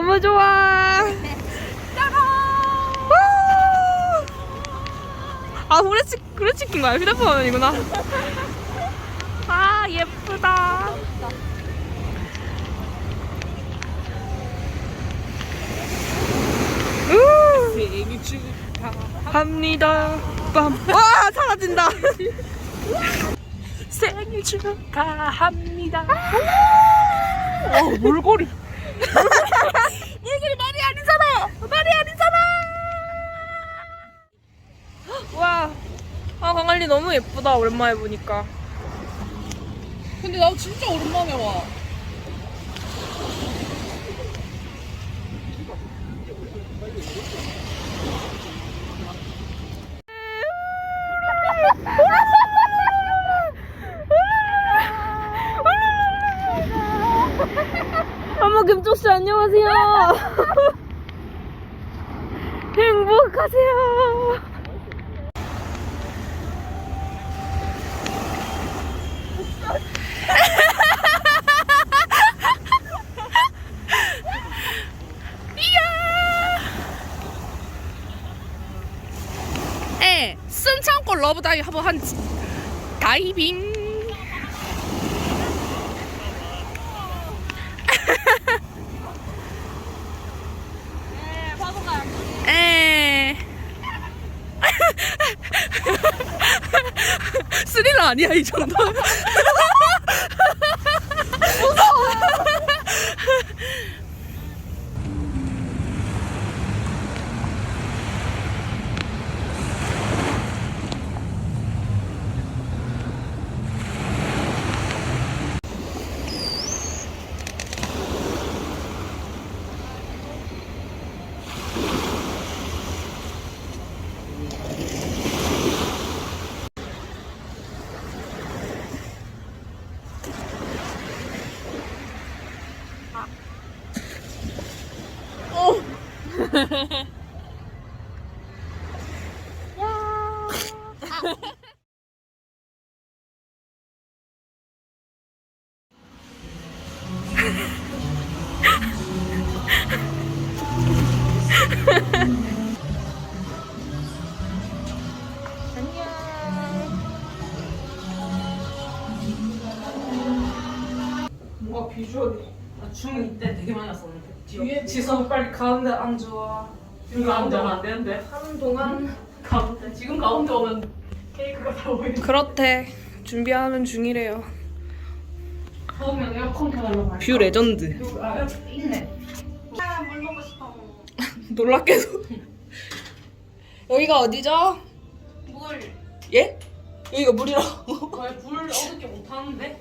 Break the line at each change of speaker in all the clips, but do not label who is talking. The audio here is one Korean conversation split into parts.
너무 좋아. 아, 후레치킨 거야. 휴대폰 화면이구나. 아, 예쁘다.
생일
축하합니다. 빰. 와, 사라진다.
생일 축하합니다. 몰골이.
물길이 말이 아니잖아. 말이 아니잖아. 와, 아, 강할리 너무 예쁘다. 오랜만에 보니까.
근데 나 진짜 오랜만에 와.
어머, 김쪽씨 안녕하세요. 행복하세요.
에, 숨 참고 러브 다이빙 한번 한지. 다이빙. 에. 스릴러 아니야 이 정도? 무서워.
뭔가 비주얼이.
나 중2 때 되게 많이 왔었는데.
뒤에 지성 빨리 가운데 앉아.
여기 앉으면 안 되는데.
하는 동안.
가운데. 지금 가운데 오면 케이크가 다 보이는데.
그렇대. 준비하는 중이래요.
더우면 에어컨 켜달라고 할까?
뷰 레전드.
아, 있네. 물 먹고 싶어.
놀랍게도. 여기가 어디죠?
물.
예? 여기가 물이라고.
왜불 어둡게 못하는데?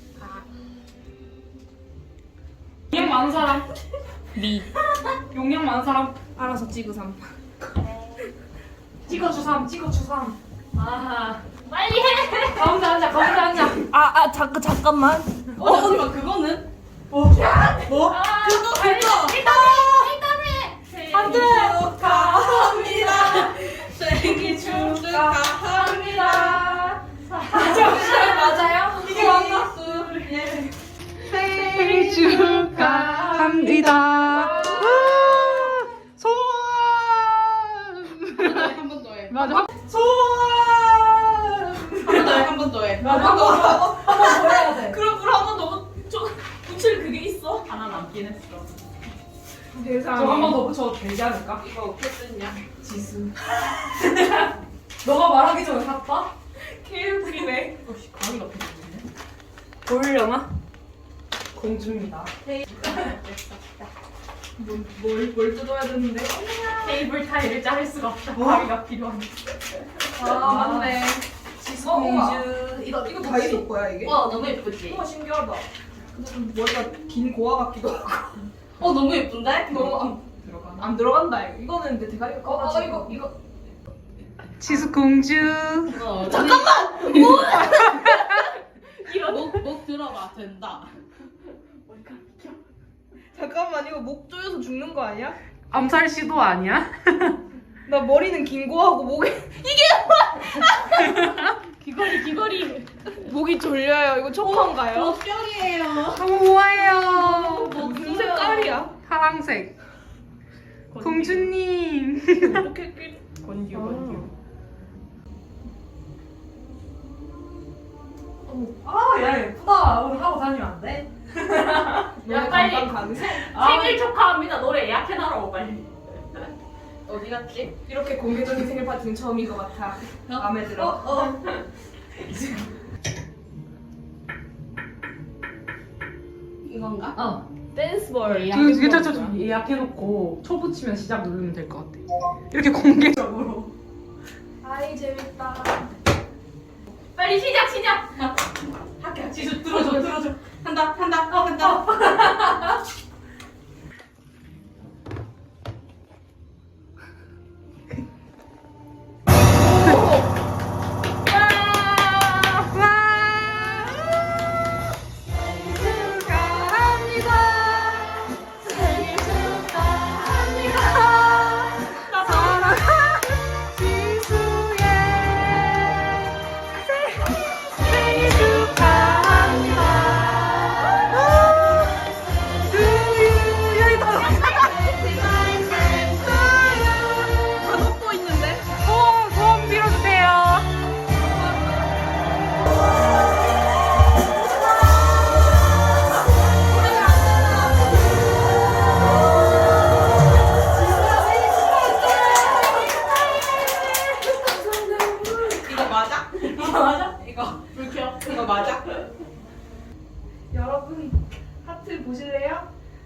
용량 많은 사람?
니.
용량 많은 사람?
알아서 찍으삼.
찍어주삼. 아, 빨리 해! 가운데 앉아.
잠깐만.
잠시만, 그거는?
뭐?
그거! 일단 해!
안 돼!
축하합니다! 생일 축하합니다! 맞아요?
이게 맞나? 생일 축하합니다. 소원.
한 번 더 해.
맞아.
한 번 더 해.
한번 더 해야 돼.
그럼 물 한번 너무 붙일 그게 있어? 하나 남긴 했어.
저거 한 번 더 붙여도 되지 않을까?
이거 어떻게 쓰냐?
지수. 너가 말하기 전에 샀다?
케이블이네. 어씨, 가위가 필요했네.
보이려나? 공주입니다. 뭘 뜯어야 되는데?
테이블 타일을 자를 수가 없다. 가위가 필요한데.
아, 맞네. 지수 공주.
이거 다이소 거야 이게?
와, 너무 예쁘지?
우와 신기하다. 근데 좀 머리가 긴 고아 같기도 하고.
너무 예쁜데?
너무 안 들어간다 이거. 이거는 근데 대가리가 커가지고.
이거.
지수 공주.
잠깐만! 목 들어봐, 된다.
잠깐만 이거 목 조여서 죽는 거 아니야?
암살 시도 아니야?
나 머리는 긴 거하고 목에
귀걸이.
목이 졸려요. 이거 초코인가요?
뼈이에요.
너무 우아해요.
무슨 색깔이야? 파랑색. 공주님.
건듀. 야 예쁘다. 오늘 하고 다니면 안 돼? 야 빨리 생일 축하합니다. 노래 예약해놔라 빨리. 어디 갔지?
이렇게 공개적인 생일 파티는 처음인 것 같아. 마음에 들어.
이건가?
댄스볼.
저 예약해놓고 초 붙이면 시작 누르면 될 것 같아. 이렇게 공개적으로.
아이 재밌다.
빨리 시작. 학교 지수 들어줘. 한다.
소원 빌어주세요.
이거 맞아?
여러분 하트 보실래요?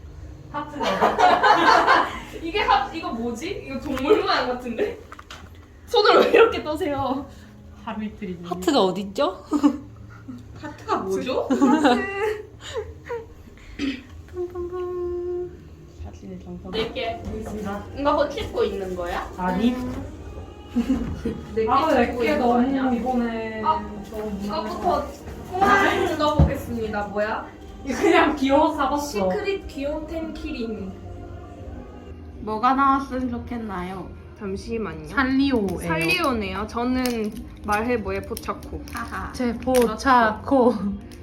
하트가
이게 이거 뭐지? 이거 동물 모양 같은데? 손을 왜 이렇게 떠세요?
하루 이틀이지.
하트가 어딨죠?
하트가 뭐죠? 사진을 정성. 내게 보겠습니다. 이거 찍고 있는 거야?
아니.
내게
너무 이번에
이거부터 통화를 뜯어보겠습니다. 뭐야?
그냥 귀여워서 사봤어.
시크릿 귀염템 키링.
뭐가 나왔으면 좋겠나요?
잠시만요.
살리오예요.
살리오네요. 저는 말해보의 포차코.
하하.
제 포차코.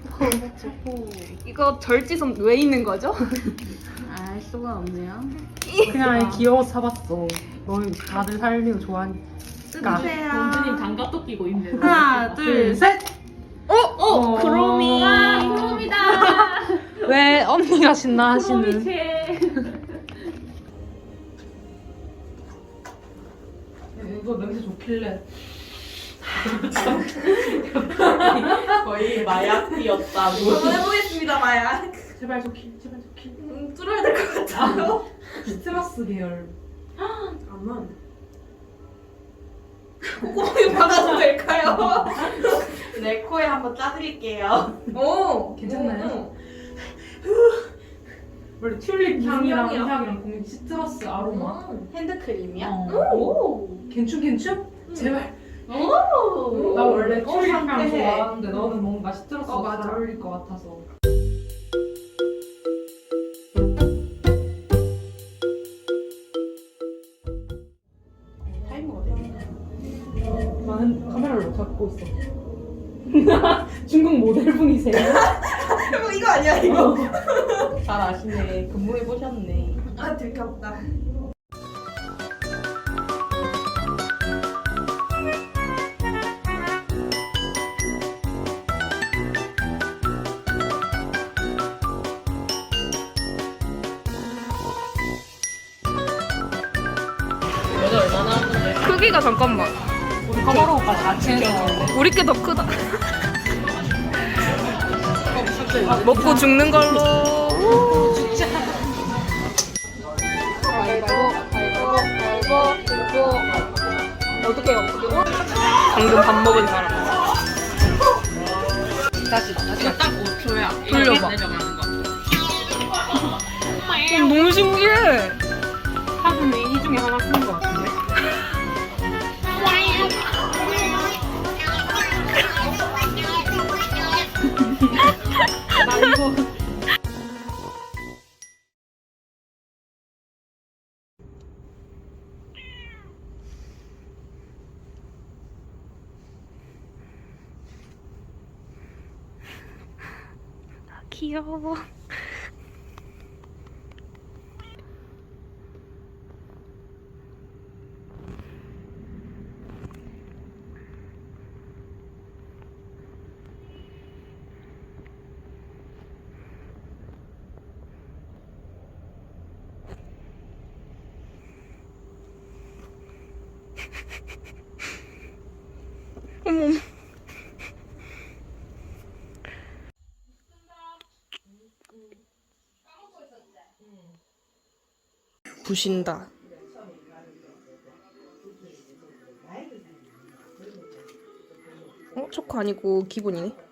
이거 절지선 왜 있는 거죠?
알 수가 없네요.
그냥 귀여워서 사봤어. 너희 다들 살리오 좋아하니까.
공주님 장갑도 끼고 있네.
하나, 둘, 셋.
크로미.
크롬이다.
왜 언니가 신나 하시는?
이거 냄새 좋길래. 거의 마약이었다고.
한번 해보겠습니다, 마야.
제발 좋길.
뚫어야 될 것 같아요.
시트러스 계열.
잠깐만. 콧구멍에 박아도 될까요?
내 코에 한번 짜드릴게요.
오,
괜찮나요? 원래 튤립 향이랑 이 향이랑 공유 시트러스 아로마.
핸드크림이야?
오. 괜춘? 제발.
오.
나 원래 튤립 향
상쾌해.
좋아하는데 너는 뭔가 시트러스가
맞아.
잘 어울릴 것 같아서.
타이머가 되네.
나는 카메라를 잡고 있어. 중국 모델분이세요?
이거 아니야, 이거.
잘 아시네. 근무해 보셨네.
아, 들켰다.
여자 얼마나 하는데?
크기가 잠깐만.
우리 카메라까지 같이 해서.
우리 게 더 크다. 먹고 죽는 걸로. 어떻게 해요? 방금 밥 먹은 사람.
이거 딱 5초야.
돌려봐.
내려가는 거.
너무 신기해.
하루는 이 중에 하나 쓰는 것 같은데. 나 이거.
귀여워.
부신다. 초코 아니고 기본이네.